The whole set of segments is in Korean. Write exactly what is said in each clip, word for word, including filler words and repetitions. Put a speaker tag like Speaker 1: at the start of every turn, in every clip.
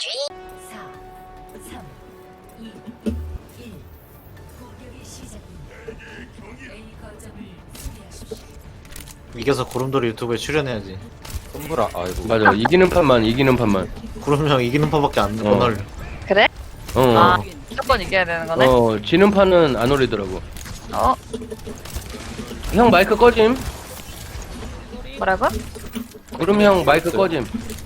Speaker 1: 사, 삼, 이, 일. 공격이 시작됩니다. A 거점을 수비하십시오.
Speaker 2: 이겨서 구름돌이 유튜브에 출연해야지.
Speaker 3: 손브라 아이고
Speaker 4: 맞아. 이기는 판만, 이기는 판만.
Speaker 2: 구름 형 이기는 판밖에 안, 못
Speaker 4: 어.
Speaker 2: 올려.
Speaker 5: 그래?
Speaker 4: 어.
Speaker 5: 아, 무조건 이겨야 되는 거네?
Speaker 4: 어, 지는 판은 안 올리더라고.
Speaker 5: 어?
Speaker 4: 형 마이크 꺼짐.
Speaker 5: 뭐라고?
Speaker 4: 구름 형 마이크 꺼짐.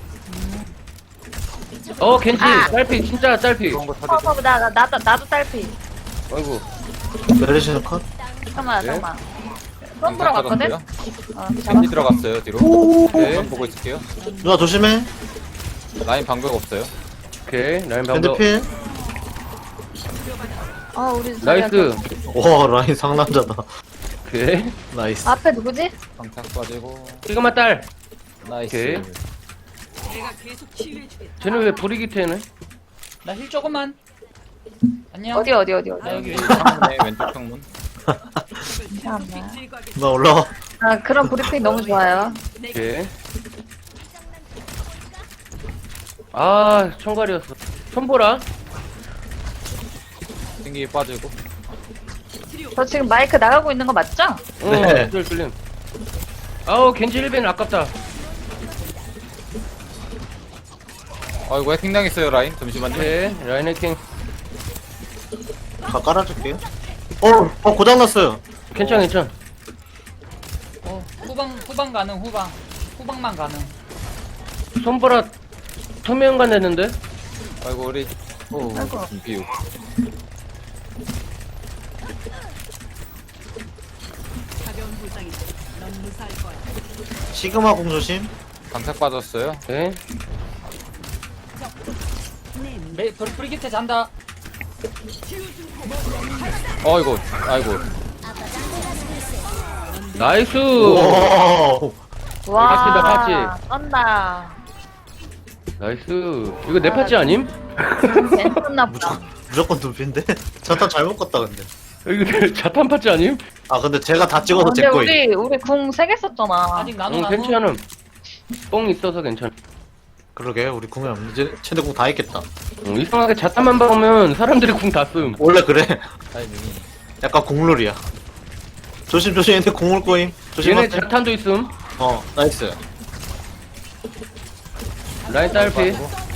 Speaker 4: 어, 겐지.
Speaker 5: 아.
Speaker 4: 딸피, 진짜 딸피.
Speaker 3: 그런 거
Speaker 5: 어,
Speaker 3: 타도
Speaker 5: 어, 나, 나, 나도, 나도 딸피.
Speaker 4: 아이고.
Speaker 2: 메르시는 컷?
Speaker 5: 잠깐만,
Speaker 4: 네?
Speaker 5: 잠깐만. 손 들어갔거든? 어,
Speaker 3: 겐지
Speaker 5: 잡았어.
Speaker 3: 들어갔어요 뒤로.
Speaker 4: 네.
Speaker 3: 전 보고 있을게요.
Speaker 2: 누나 조심해.
Speaker 3: 라인 방벽 없어요.
Speaker 4: 오케이. 라인 방법.
Speaker 2: 핸드필.
Speaker 5: 어, 우리
Speaker 4: 나이스.
Speaker 2: 와 라인 상남자다.
Speaker 4: 오케이.
Speaker 2: 나이스.
Speaker 5: 앞에 누구지?
Speaker 3: 방탁 빠지고
Speaker 4: 이거만 딸.
Speaker 3: 나이스.
Speaker 4: 쟤는 왜 브리기트네?
Speaker 6: 나 힐 조금만. 안녕.
Speaker 5: 어디, 어디, 어디, 어디.
Speaker 6: 아 여기.
Speaker 3: 왼쪽 창문에 왼쪽 창문.
Speaker 5: 잠깐만.
Speaker 2: 나 올라와.
Speaker 5: 아, 그런 브리핑 너무 좋아요.
Speaker 4: 오케이. 아, 총괄이었어. 손보라.
Speaker 3: 튕기 빠지고.
Speaker 5: 저 지금 마이크 나가고 있는 거 맞죠?
Speaker 4: 어,
Speaker 2: 네.
Speaker 4: 뚫 뚫림. 아우, 겐지 일 벤 아깝다.
Speaker 3: 아이고 해킹 당했어요 라인. 잠시만요.
Speaker 4: 오케이. 라인 해킹.
Speaker 2: 다 깔아줄게요. 어, 어 고장났어요.
Speaker 4: 괜찮아, 괜찮아.
Speaker 6: 어 후방 후방 가능 후방. 후방만 가능.
Speaker 4: 손보라 투명간 됐는데?
Speaker 3: 아이고 우리 오
Speaker 5: 아이고.
Speaker 3: 비우.
Speaker 2: 시그마 공 조심.
Speaker 3: 방탁 빠졌어요.
Speaker 4: 오케이.
Speaker 6: 메 브리- 브리기테 잔다.
Speaker 3: 어이구 아이고
Speaker 4: 나이스!
Speaker 2: 오.
Speaker 5: 와,
Speaker 4: patch다,
Speaker 5: 쩐다.
Speaker 4: 나이스. 이거 내 파츠 아님?
Speaker 5: 괜찮나 보다.
Speaker 2: 무조건 두피인데? 자탄 잘못 껐다 근데.
Speaker 4: 이거 자탄 파츠 아님?
Speaker 2: 아 근데 제가 다 찍어서
Speaker 5: 근데
Speaker 2: 제 거임.
Speaker 5: 우리, 우리 궁 세 개 썼잖아.
Speaker 6: 아직 나눠
Speaker 4: 응,
Speaker 6: 나눠.
Speaker 4: 괜찮음. 뽕 있어서 괜찮아.
Speaker 2: 그러게 우리 궁이 없는데 이제 최대 궁 다 했겠다.
Speaker 4: 응, 이상하게 자탄만 박으면 사람들이 궁 다 씀.
Speaker 2: 원래 그래.
Speaker 3: 타이밍이.
Speaker 2: 약간 공룰이야. 조심 조심 얘네 공을 꼬임. 조심.
Speaker 4: 얘네 자탄도 있음.
Speaker 2: 어 나이스.
Speaker 4: 라인 딸피.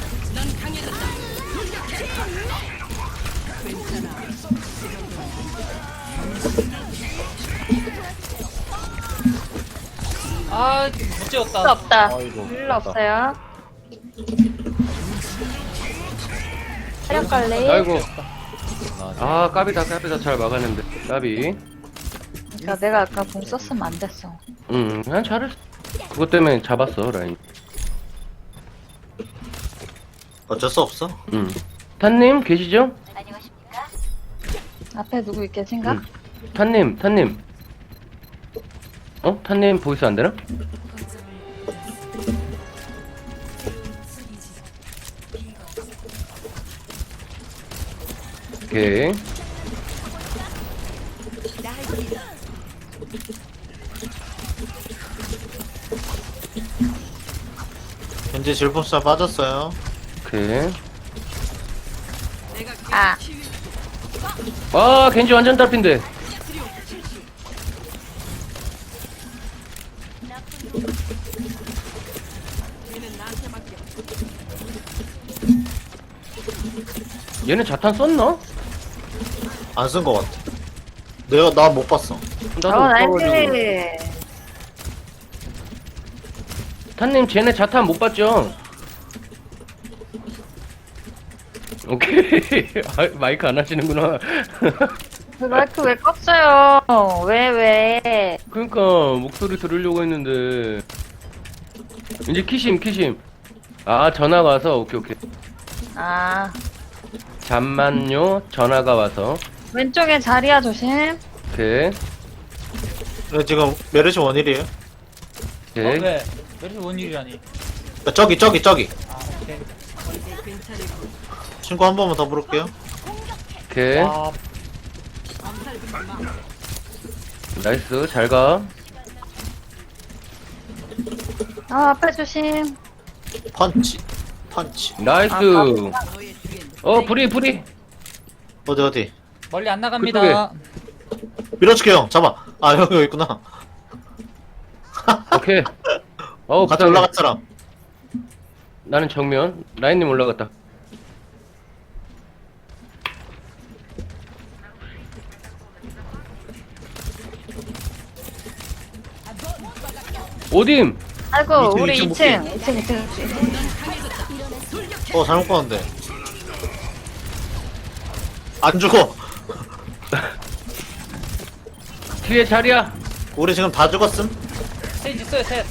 Speaker 6: 아못
Speaker 5: 필요
Speaker 6: 지웠다.
Speaker 5: 없다.
Speaker 3: 아이고.
Speaker 5: 필요 없어요. 체력 관리.
Speaker 4: 아이고. 아, 까비다, 까비다. 잘 막았는데. 까비.
Speaker 5: 그러니까 내가 아까 궁 썼으면 안 됐어.
Speaker 4: 응, 그냥 잘했어. 그것 때문에 잡았어, 라인.
Speaker 2: 어쩔 수 없어.
Speaker 4: 응. 탄님, 계시죠?
Speaker 5: 앞에 누구 있겠신가?
Speaker 4: 응. 탄님, 탄님. 어? 탄님 보이스 안 되나? 오케이.
Speaker 2: 현재 질풍사 빠졌어요.
Speaker 4: 오케이.
Speaker 5: 아,
Speaker 4: 아, 겐지 완전 딸핀데. 얘는 자탄 썼나?
Speaker 2: 안 쓴 거 같아. 내가 나 못 봤어.
Speaker 4: 나도
Speaker 5: 어,
Speaker 4: 없어가지고.
Speaker 5: 나이스.
Speaker 4: 탄님, 쟤네 자탄 못 봤죠? 오케이. 아, 마이크 안 하시는구나.
Speaker 5: 그 마이크 왜 껐어요? 왜, 왜?
Speaker 4: 그러니까 목소리 들으려고 했는데 이제 키심 키심. 아, 전화가 와서. 오케이 오케이.
Speaker 5: 아,
Speaker 4: 잠만요. 전화가 와서.
Speaker 5: 왼쪽에 자리야, 조심.
Speaker 4: 오케이
Speaker 2: 근데 지금 메르시 원일이에요.
Speaker 6: 어,
Speaker 4: 오케이.
Speaker 6: 왜? 왜 이렇게 원일이라니?
Speaker 2: 저기 저기 저기.
Speaker 6: 아 오케이.
Speaker 2: 친구 한 번만 더 부를게요.
Speaker 4: 오케이.
Speaker 6: 아
Speaker 4: 나이스. 잘 가.
Speaker 5: 아, 앞에 조심.
Speaker 2: 펀치. 펀치.
Speaker 4: 나이스. 어, 불이, 불이.
Speaker 2: 어디 어디?
Speaker 6: 멀리 안 나갑니다.
Speaker 2: 밀어줄게 형. 잡아. 아 형 여기 있구나.
Speaker 4: 오케이. 어우,
Speaker 2: 같이
Speaker 4: 부탁해.
Speaker 2: 올라갈 사람.
Speaker 4: 나는 정면. 라인님 올라갔다. 오딤!
Speaker 5: 아이고,
Speaker 2: 이층,
Speaker 5: 우리
Speaker 2: 이층
Speaker 5: 이 층, 이 층, 이 층, 이 층.
Speaker 2: 어 잘못 봤는데. 안 죽어.
Speaker 4: 뒤에 자리야.
Speaker 2: 우리 지금 다 죽었음.
Speaker 6: 셋 있어요, 셋.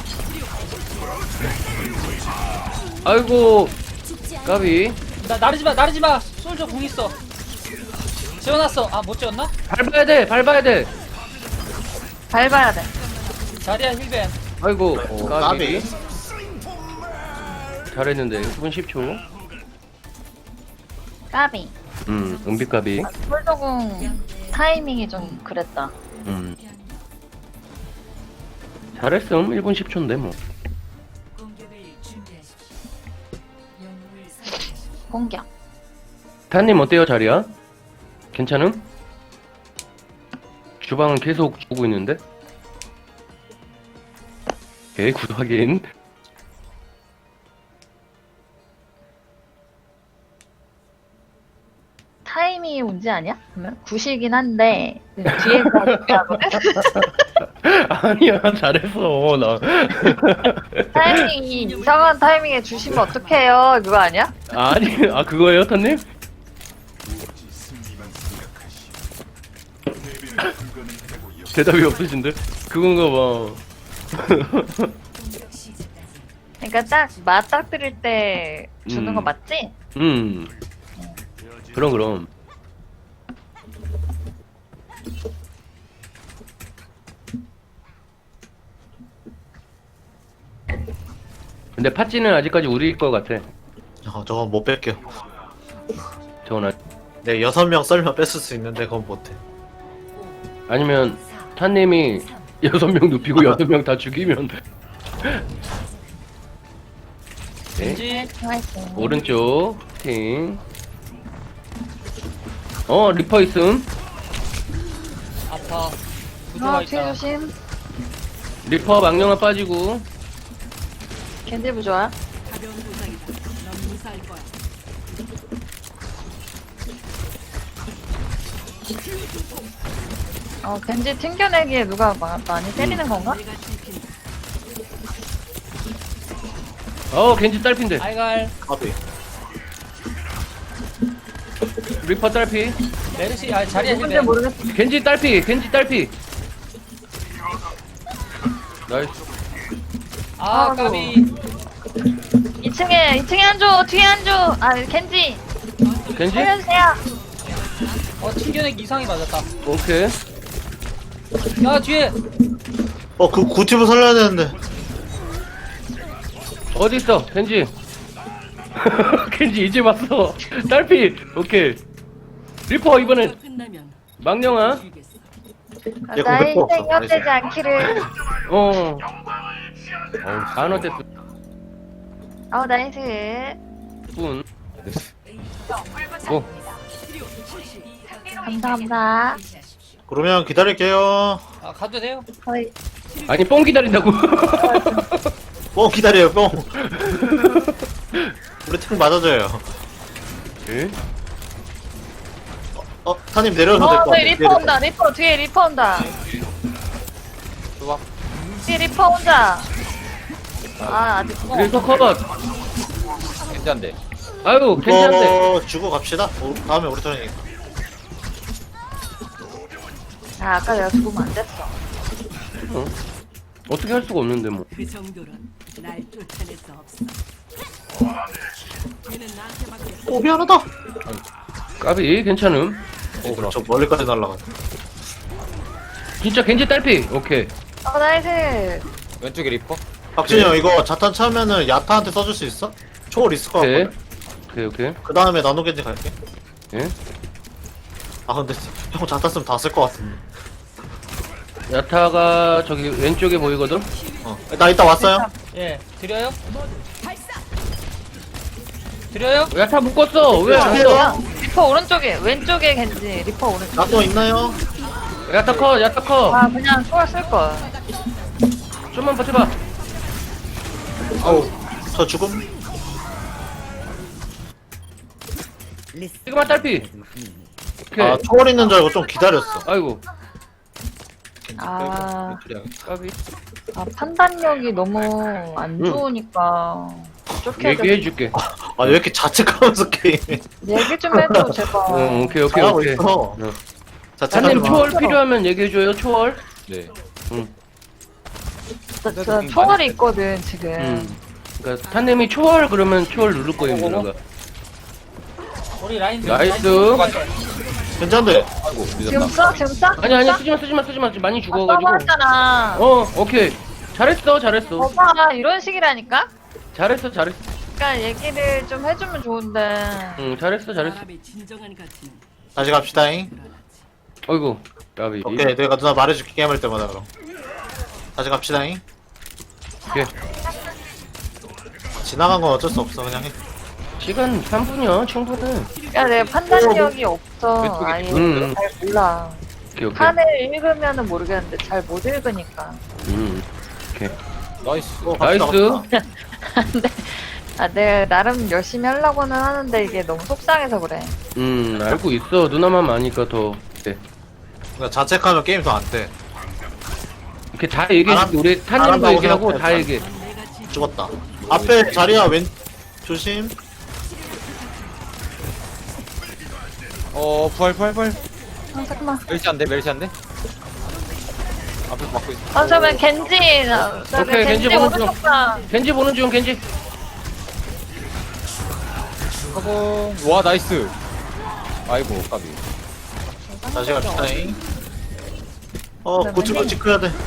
Speaker 4: 아이고, 까비.
Speaker 6: 나 나르지 마, 나르지 마. 솔저 궁 있어. 지어놨어. 아, 못 지었나?
Speaker 4: 밟아야 돼, 밟아야 돼.
Speaker 5: 밟아야 돼.
Speaker 6: 자리야 힐벤.
Speaker 4: 아이고,
Speaker 2: 오,
Speaker 4: 까비.
Speaker 2: 까비.
Speaker 4: 잘했는데, 일 분 십 초.
Speaker 5: 까비.
Speaker 4: 음, 은비 까비.
Speaker 5: 폴더궁 타이밍이 좀 그랬다.
Speaker 4: 음. 잘했음, 일 분 십 초인데, 뭐.
Speaker 1: 공격을 준비하십시오. 영웅을 선택하십시오.
Speaker 5: 공격.
Speaker 4: 타님 어때요, 자리야? 괜찮음? 주방은 계속 주고 있는데? 오케이, 굿 확인.
Speaker 5: 타이밍이 문제 아니야? 그러면 굿이긴 한데 뒤에가 중요하거든.
Speaker 4: 아니야, 잘했어, 나.
Speaker 5: 타이밍이 이상한 타이밍에 주시면 어떡해요? 그거 아니야?
Speaker 4: 아니, 아, 그거예요, 타님? 대답이 없으신데? 그건가 봐.
Speaker 1: 공격 시작까지
Speaker 5: 그러니까 딱 맞닥뜨릴 때 주는
Speaker 4: 음.
Speaker 5: 거 맞지?
Speaker 4: 음. 그럼, 그럼. 근데 팥찌는 아직까지 우리일 것 같아.
Speaker 2: 어 저거 못 뺄게요.
Speaker 4: 저거나.
Speaker 2: 네 여섯 명 썰면 뺐을 수 있는데 그건 못해.
Speaker 4: 아니면
Speaker 1: 사,
Speaker 4: 타님이
Speaker 1: 삼,
Speaker 4: 여섯 명 눕히고 여섯 명 다 죽이면. 네.
Speaker 6: 겐지.
Speaker 5: 나이스.
Speaker 4: 오른쪽 팀. 어, 리퍼 있음.
Speaker 6: 아파. 구조가
Speaker 5: 어, 뒤에
Speaker 6: 있다.
Speaker 5: 조심.
Speaker 4: 리퍼 망령아 빠지고.
Speaker 5: 겐딜부 좋아. 어, 겐지 튕겨내기에 누가 마, 많이 때리는 건가?
Speaker 4: 어, 겐지 딸핀데.
Speaker 6: 알갈.
Speaker 2: 까비.
Speaker 4: 리퍼 딸피.
Speaker 6: 메르시. 아, 자리야
Speaker 5: 누군지
Speaker 6: 힐벤.
Speaker 5: 모르겠어.
Speaker 4: 겐지 딸피. 겐지 딸피. 나이스.
Speaker 6: 아,
Speaker 5: 아이고.
Speaker 6: 까비.
Speaker 5: 이 층에, 이 층에 한 조, 뒤에 한 조. 아, 겐지.
Speaker 4: 겐지?
Speaker 5: 살려주세요.
Speaker 6: 어, 튕겨내기 이상이 맞았다.
Speaker 4: 오케이.
Speaker 6: 야, 뒤에.
Speaker 2: 어그 구티브 살려야 되는데.
Speaker 4: 어디 있어? 겐지. 겐지 이제 왔어. 딸피. 오케이. 리퍼 이번엔 망령아.
Speaker 5: 아,
Speaker 2: 얘
Speaker 5: 나의
Speaker 2: 공격도
Speaker 5: 희생이
Speaker 2: 없어.
Speaker 5: 헛되지 않기를.
Speaker 4: 어. 어우, 안 어땠어.
Speaker 5: 어, 나이스.
Speaker 4: 분. 오.
Speaker 5: 감사합니다.
Speaker 2: 그러면 기다릴게요.
Speaker 6: 아, 가도 돼요?
Speaker 5: 거의
Speaker 4: 아니, 뽕 기다린다고.
Speaker 2: 뽕 기다려요 뽕. 우리 탱 맞아줘요.
Speaker 4: 예?
Speaker 2: 어 타님 내려오셔도 될
Speaker 5: 어,
Speaker 2: 것
Speaker 5: 저기
Speaker 2: 같아.
Speaker 5: 리퍼 온다. 리퍼 뒤에 리퍼 온다.
Speaker 3: 좋아.
Speaker 5: 뒤에 리퍼 온다. 아, 아직
Speaker 4: 리퍼 컷.
Speaker 3: 괜찮은데.
Speaker 4: 아유, 괜찮대.
Speaker 2: 이거 주고 갑시다. 어, 다음에 우리 턴이니까.
Speaker 5: 아, 아까 내가 죽으면 안 됐어.
Speaker 4: 어? 어떻게 할 수가 없는데 뭐.
Speaker 7: 그 정도는 날 쫓아낼 수 없어. 얘는 나한테 맡겨.
Speaker 2: 오 미안하다.
Speaker 4: 까비 괜찮음.
Speaker 2: 오, 저 멀리까지 날라가.
Speaker 4: 진짜 겐지 딸피. 오케이.
Speaker 5: 어, 나이스.
Speaker 3: 왼쪽에 리퍼.
Speaker 2: 박진이
Speaker 4: 네.
Speaker 2: 형 이거 자탄 차면은 야타한테 써줄 수 있어? 초월 있을 것
Speaker 4: 오케이.
Speaker 2: 같거든.
Speaker 4: 오케이 오케이.
Speaker 2: 그 다음에 나노겐지 갈게.
Speaker 4: 예.
Speaker 2: 아 근데 형 자탄 쓰면 다 쓸 것 같은데.
Speaker 4: 야타가 저기 왼쪽에 보이거든.
Speaker 2: 어. 나 이따 왔어요.
Speaker 6: 예, 드려요? 드려요?
Speaker 4: 야타 묶었어. 왜 안 써?
Speaker 5: 야, 리퍼 오른쪽에, 왼쪽에 겐지, 리퍼 오른쪽.
Speaker 2: 나또 있나요?
Speaker 4: 야타 컷, 야타 컷.
Speaker 5: 아, 그냥 초월 쓸걸.
Speaker 4: 좀만 버텨봐.
Speaker 2: 아우 저 죽음.
Speaker 4: 지금만 딸피. 오케이.
Speaker 2: 아 초월 있는 줄 알고 좀 기다렸어.
Speaker 4: 아이고.
Speaker 5: 아,
Speaker 4: 까비.
Speaker 5: 아, 판단력이 너무 안
Speaker 4: 응.
Speaker 5: 좋으니까. 쫓겨야 돼.
Speaker 4: 얘기해줄게.
Speaker 2: 아 왜 이렇게 자책하면서 게임
Speaker 5: 얘기 좀 해줘, 제발.
Speaker 4: 응, 오케이, 오케이,
Speaker 2: 잘하고
Speaker 4: 오케이.
Speaker 2: 있어.
Speaker 4: 응.
Speaker 2: 자책하지
Speaker 4: 한님
Speaker 2: 마.
Speaker 4: 초월 필요하면 얘기해줘요, 초월.
Speaker 3: 네.
Speaker 5: 저, 저 초월이 있거든, 지금.
Speaker 4: 음. 그니까, 탄님이 초월 그러면 초월 누를 거예요,
Speaker 6: 어머, 어머.
Speaker 4: 누나가.
Speaker 6: 우리 라인
Speaker 4: 나이스.
Speaker 2: 괜찮대.
Speaker 3: 아이고
Speaker 5: 지금
Speaker 3: 늦었다.
Speaker 5: 써? 지금 써?
Speaker 4: 아니, 아니, 쓰지마, 쓰지마, 쓰지마. 지금 많이
Speaker 5: 아,
Speaker 4: 죽어가지고.
Speaker 5: 써버렸잖아.
Speaker 4: 어, 오케이. 잘했어, 잘했어.
Speaker 5: 오빠, 이런 식이라니까?
Speaker 4: 잘했어, 잘했어.
Speaker 5: 그러니까 얘기를 좀 해주면 좋은데.
Speaker 4: 응, 잘했어, 잘했어.
Speaker 7: 사람의 진정한 가치는
Speaker 2: 다시 갑시다잉.
Speaker 4: 어이구, 까비.
Speaker 2: 오케이 내가 누나 말해줄게 게임할 때마다 그럼. 다시 갑시다잉.
Speaker 4: 오케이.
Speaker 2: 지나간 건 어쩔 수 없어 그냥 해.
Speaker 4: 시간 삼 분이야, 충분해.
Speaker 5: 야, 내가 판단력이 없어.
Speaker 3: 왼쪽에
Speaker 5: 아예
Speaker 4: 음.
Speaker 5: 잘 몰라.
Speaker 4: 오케이, 오케이.
Speaker 5: 판을 읽으면은 모르겠는데 잘 못 읽으니까.
Speaker 4: 음, 오케이.
Speaker 3: 나이스.
Speaker 2: 어, 갑시다,
Speaker 4: 나이스.
Speaker 2: 갑시다.
Speaker 5: 근데 아, 내가 나름 열심히 하려고는 하는데 이게 너무 속상해서 그래.
Speaker 4: 음, 알고 있어. 누나만 아니까 더. 네.
Speaker 2: 그러니까 자책하면 게임 더 안 돼.
Speaker 4: 이렇게 다 얘기해줄게.
Speaker 2: 알아-
Speaker 4: 우리 탄님도
Speaker 2: 알았다고
Speaker 4: 얘기하고 다
Speaker 2: 생각해.
Speaker 4: 얘기해.
Speaker 2: 죽었다. 앞에 자리야 왼 조심.
Speaker 3: 어 부활 부활 부활.
Speaker 5: 아, 잠깐만.
Speaker 3: 멸시 안 돼, 멸시 안 돼. 앞에서 막고 있어.
Speaker 5: 아, 저면 겐지. 나- 저기
Speaker 4: 오케이, 겐지
Speaker 5: 겐지
Speaker 4: 보는 중.
Speaker 5: 오른쪽 봐.
Speaker 4: 겐지 보는 중, 겐지.
Speaker 3: 가봉. 와 나이스. 아이고 까비.
Speaker 2: 다시 갑시다잉. 어
Speaker 5: 그러면은-
Speaker 2: 고치고치 해야 돼.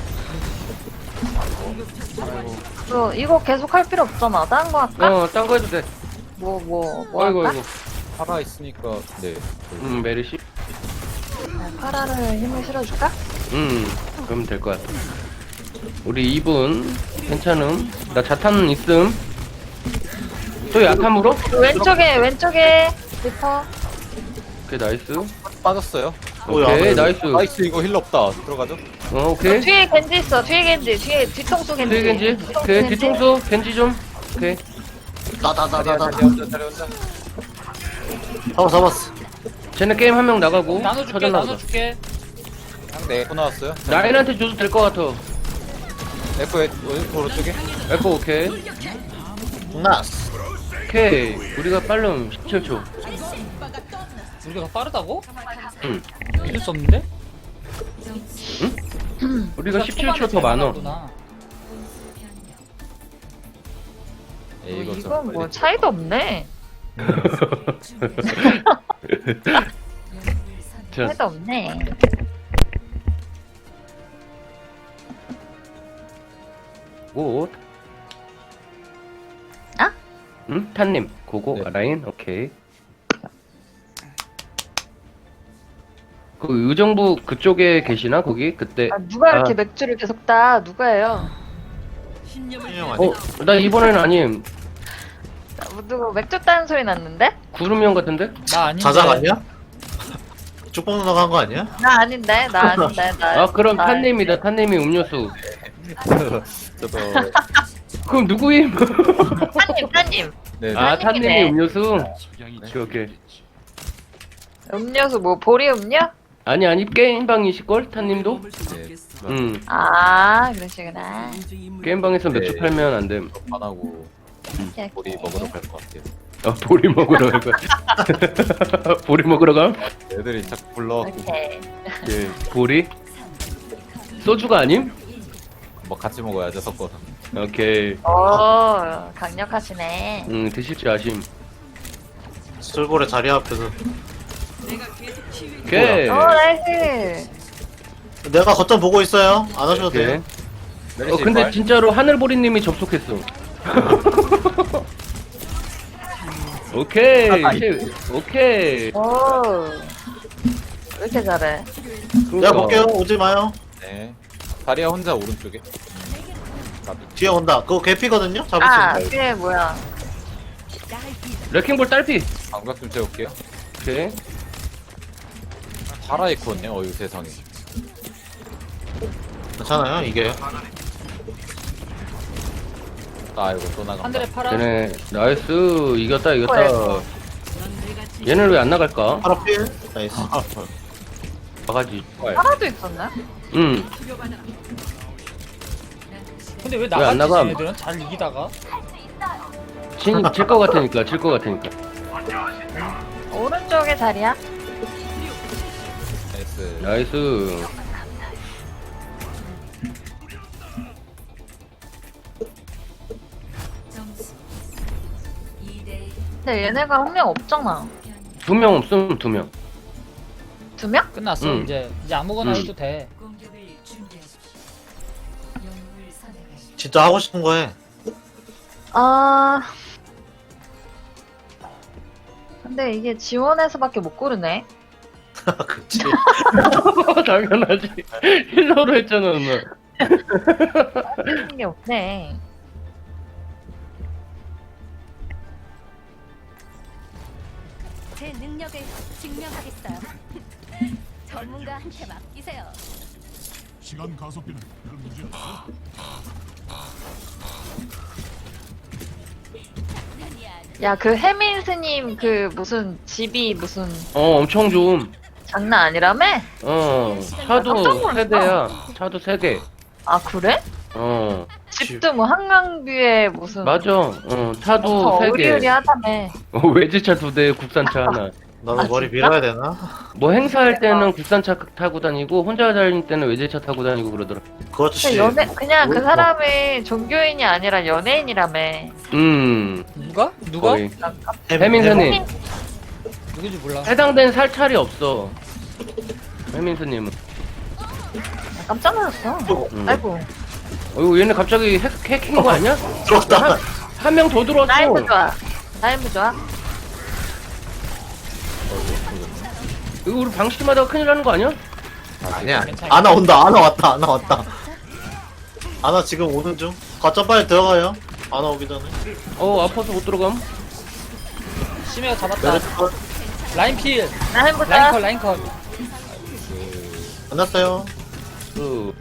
Speaker 5: 너 이거 계속 할 필요 없잖아. 다른 거 할까?
Speaker 4: 어, 딴 거 해도 돼.
Speaker 5: 뭐, 뭐, 뭐
Speaker 4: 아이고,
Speaker 5: 할까?
Speaker 4: 아이고.
Speaker 3: 살아 있으니까 네.
Speaker 4: 음, 메르시.
Speaker 5: 아, 파라를 힘을 실어줄까?
Speaker 4: 음, 그러면 될 것 같아. 우리 이 분, 괜찮음. 나 자탄 있음. 또 야탐으로?
Speaker 5: 왼쪽에, 왼쪽에. 리퍼.
Speaker 4: 오케이, 나이스.
Speaker 3: 빠졌어요.
Speaker 2: 뭐야,
Speaker 4: 오케이,
Speaker 2: 그래도.
Speaker 4: 나이스.
Speaker 3: 나이스 이거 힐러 없다. 들어가죠.
Speaker 4: 어, 오케이.
Speaker 5: 뒤에 겐지 있어. 뒤에 겐지. 뒤에 뒤통수 겐지.
Speaker 4: 뒤에 겐지.
Speaker 5: 뒤통수
Speaker 4: 오케이,
Speaker 5: 겐지.
Speaker 4: 뒤통수. 겐지 좀. 오케이.
Speaker 2: 나나나나나.
Speaker 3: 자리 혼자 자리 혼자.
Speaker 2: 잡았어 잡았어.
Speaker 4: 쟤네 게임 한 명 나가고.
Speaker 6: 나눠줄게
Speaker 4: 차단 나가자.
Speaker 6: 나눠줄게.
Speaker 3: 네, 코 나왔어요.
Speaker 4: 라인한테 줘도 될 것 같아.
Speaker 3: 에코 왼 오른쪽에.
Speaker 4: 에코 오케이.
Speaker 2: 나스.
Speaker 4: 오케이. 우리가 빠름 십칠 초.
Speaker 6: 우리가 더 빠르다고?
Speaker 4: 응.
Speaker 6: 믿을 수 없는데?
Speaker 4: 우리가 십칠 초 더 많어.
Speaker 3: 예, 이거 좀
Speaker 5: 이건 뭐
Speaker 3: 빨리.
Speaker 5: 차이도 없네.
Speaker 4: 자,
Speaker 5: 차이도 없네.
Speaker 4: 굿.
Speaker 5: 아?
Speaker 4: 응? 탄님. 고고.
Speaker 3: 네.
Speaker 4: 아, 라인. 오케이. 그 의정부 그쪽에 계시나 거기? 그때.
Speaker 5: 아, 누가 이렇게
Speaker 4: 아.
Speaker 5: 맥주를 계속 따? 누가예요?
Speaker 7: 신념을
Speaker 2: 신념 아니야?
Speaker 4: 어, 나 이번에는 아님.
Speaker 5: 나- 누구 맥주 따는 소리 났는데?
Speaker 4: 구름형 같은데?
Speaker 6: 나 아닌데.
Speaker 2: 자작 아니야? 쭉 뽑는다고 한 거 아니야?
Speaker 5: 나 아닌데, 나 아닌데, 나.
Speaker 4: 아, 그럼
Speaker 5: 나-
Speaker 4: 탄님이다. 탄님이 음료수.
Speaker 3: 저도
Speaker 4: 그럼 누구임?
Speaker 5: 타님, 타님.
Speaker 3: 네.
Speaker 4: 아,
Speaker 5: 탄님이네.
Speaker 4: 탄님이 음료수. 오케이, 오케이.
Speaker 5: 음료수 뭐 보리 음료?
Speaker 4: 아니, 아니, 게임방이실걸? 탄님도?
Speaker 3: 네.
Speaker 4: 응.
Speaker 5: 아, 그러시구나.
Speaker 4: 게임방에서 맥주
Speaker 3: 네.
Speaker 4: 팔면 안 됨.
Speaker 3: 안 하고
Speaker 5: 오케이,
Speaker 3: 우리
Speaker 5: 오케이.
Speaker 3: 먹으러 갈 것 같아요.
Speaker 4: 어, 보리 먹으러 갈 거야. 보리 먹으러 가?
Speaker 3: 애들이 자꾸 불러.
Speaker 5: 오케이.
Speaker 4: 예, 보리? 소주가 아님?
Speaker 3: 뭐 같이 먹어야죠 섞어서.
Speaker 4: 오케이.
Speaker 5: 오, 강력하시네.
Speaker 4: 음, 드실 줄 아심.
Speaker 2: 술고래 자리 앞에서.
Speaker 4: 오케이.
Speaker 5: 오, 나이스.
Speaker 2: 내가 거점 보고 있어요. 안 하셔도
Speaker 4: 오케이.
Speaker 2: 돼요.
Speaker 4: 어, 근데 진짜로 하늘보리님이 접속했어. 오케이. 실- 오케이.
Speaker 5: 오. 왜 이렇게 잘해?
Speaker 2: 내가 볼게요. 오지 마요.
Speaker 3: 네. 다리야 혼자 오른쪽에.
Speaker 2: 뒤에 온다. 그거 개피거든요. 잡을 수
Speaker 5: 아,
Speaker 2: 있나요?
Speaker 5: 뒤에 뭐야?
Speaker 4: 레킹볼 딸피.
Speaker 3: 방벽 좀 채울게요.
Speaker 4: 오케이.
Speaker 3: 파라 이코네. 어유 세상에.
Speaker 2: 괜찮아요 이게.
Speaker 3: 아이고 또 나간다.
Speaker 6: 하늘에 파라.
Speaker 4: 쟤네 나이스. 이겼다 이겼다.
Speaker 5: 뭐야,
Speaker 4: 얘는 왜 안 나갈까?
Speaker 2: 파라 필. 나이스.
Speaker 4: 바가지.
Speaker 5: 하나도 있었네?
Speaker 4: 응.
Speaker 6: 근데 왜
Speaker 4: 안
Speaker 6: 나갔지
Speaker 4: 나감?
Speaker 6: 쟤네들은? 잘 이기다가.
Speaker 4: 질것 같으니까 질 것 같으니까.
Speaker 5: 오른쪽에 자리야?
Speaker 3: 나이스.
Speaker 4: 나이스.
Speaker 1: 점수 이 대
Speaker 5: 근데 얘네가 한 명 없잖아.
Speaker 4: 두 명 없음 두 명.
Speaker 5: 두 명?
Speaker 6: 끝났어
Speaker 4: 음.
Speaker 6: 이제. 이제 아무거나
Speaker 4: 음.
Speaker 6: 해도 돼.
Speaker 1: 공격을 준비하십시오. 영웅을 선택하십시오.
Speaker 2: 진짜 하고 싶은 거 해.
Speaker 5: 아. 근데 이게 지원해서밖에 못 고르네.
Speaker 2: 그치.
Speaker 4: 당연하지. 힐러로 했잖아 누나.
Speaker 5: 하는 게 없네.
Speaker 8: 제 능력을 증명하겠어요. 전문가한테 맡기세요.
Speaker 9: 시간 가속비는 별 문제 없어.
Speaker 5: 야, 그 해민스님 그 무슨 집이 무슨
Speaker 4: 어 엄청 좋음.
Speaker 5: 장난 아니라며?
Speaker 4: 어
Speaker 5: 깜짝
Speaker 4: 차도
Speaker 5: 놀랐어.
Speaker 4: 세대야. 차도 세 대.
Speaker 5: 아, 그래?
Speaker 4: 어
Speaker 5: 집도 뭐 한강뷰에 무슨
Speaker 4: 맞아. 어 차도
Speaker 5: 더
Speaker 4: 세 개.
Speaker 5: 의리의리하다며.
Speaker 4: 어, 외제차 두 대, 국산차 하나.
Speaker 2: 나도
Speaker 5: 아,
Speaker 2: 머리
Speaker 5: 진짜?
Speaker 2: 밀어야 되나?
Speaker 4: 뭐 행사할 때는 국산차 타고 다니고 혼자 다닐 때는 외제차 타고 다니고 그러더라.
Speaker 2: 그 아저씨.
Speaker 5: 그냥 연애 그냥 그
Speaker 2: 뭐-
Speaker 5: 사람이 종교인이 아니라 연예인이라며.
Speaker 4: 음
Speaker 6: 누가? 누가?
Speaker 4: 거의.
Speaker 2: 햄-
Speaker 4: 해민선님
Speaker 2: 햄-
Speaker 6: 누군지 몰라.
Speaker 4: 해당된 살찰이 없어. 해민선님은.
Speaker 5: 아, 깜짝 놀랐어.
Speaker 4: 음.
Speaker 5: 아이고.
Speaker 4: 어이구 얘네 갑자기 해, 해킹 거 아니야?
Speaker 2: 들어왔다.
Speaker 4: 한 명 더 들어왔어.
Speaker 5: 라이브 좋아. 라이브 좋아.
Speaker 4: 이거 우리 방심하다가 큰일 나는 거 아니야?
Speaker 2: 아니야.
Speaker 6: 괜찮아.
Speaker 2: 아나 온다. 아나 왔다. 아나 왔다. 아나 지금 오는 중. 가짜 빨리 들어가요. 아나 오기 전에.
Speaker 4: 어 아파서 못 들어감.
Speaker 6: 심해가 잡았다.
Speaker 2: 메르스 컷.
Speaker 6: 라인 필.
Speaker 5: 라이브 좋아.
Speaker 6: 라인 컷 라인 컷.
Speaker 2: 끝났어요.
Speaker 4: 그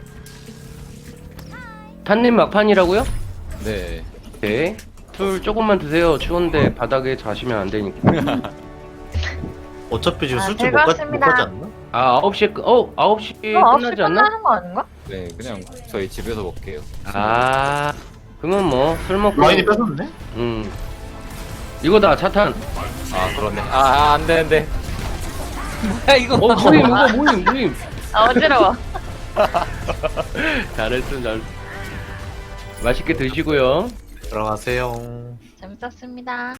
Speaker 4: 탄님 막판이라고요?
Speaker 3: 네.
Speaker 4: 네. 술 조금만 드세요. 추운데 바닥에 자시면 안 되니까.
Speaker 2: 어차피 지금
Speaker 5: 아,
Speaker 2: 술집 못, 가, 못
Speaker 5: 즐거웠습니다.
Speaker 2: 가지 않나?
Speaker 4: 아 아홉 시에 끝. 어 아홉 시에
Speaker 5: 이거 아홉 시
Speaker 4: 끝나지 않나?
Speaker 5: 끝나는 거 아닌가?
Speaker 3: 네 그냥 저희 집에서 먹게요.
Speaker 4: 아 그러면 뭐 술 먹고.
Speaker 2: 라인이 뺏었네?
Speaker 4: 음. 이거다 차탄.
Speaker 3: 아 그렇네. 아, 아 안되는데.
Speaker 6: 뭐야 이거?
Speaker 4: 어 모임 이거 모임 모임.
Speaker 5: 아, 어지러워.
Speaker 4: 잘했어 잘. 맛있게 드시고요.
Speaker 2: 들어가세요.
Speaker 5: 재밌었습니다.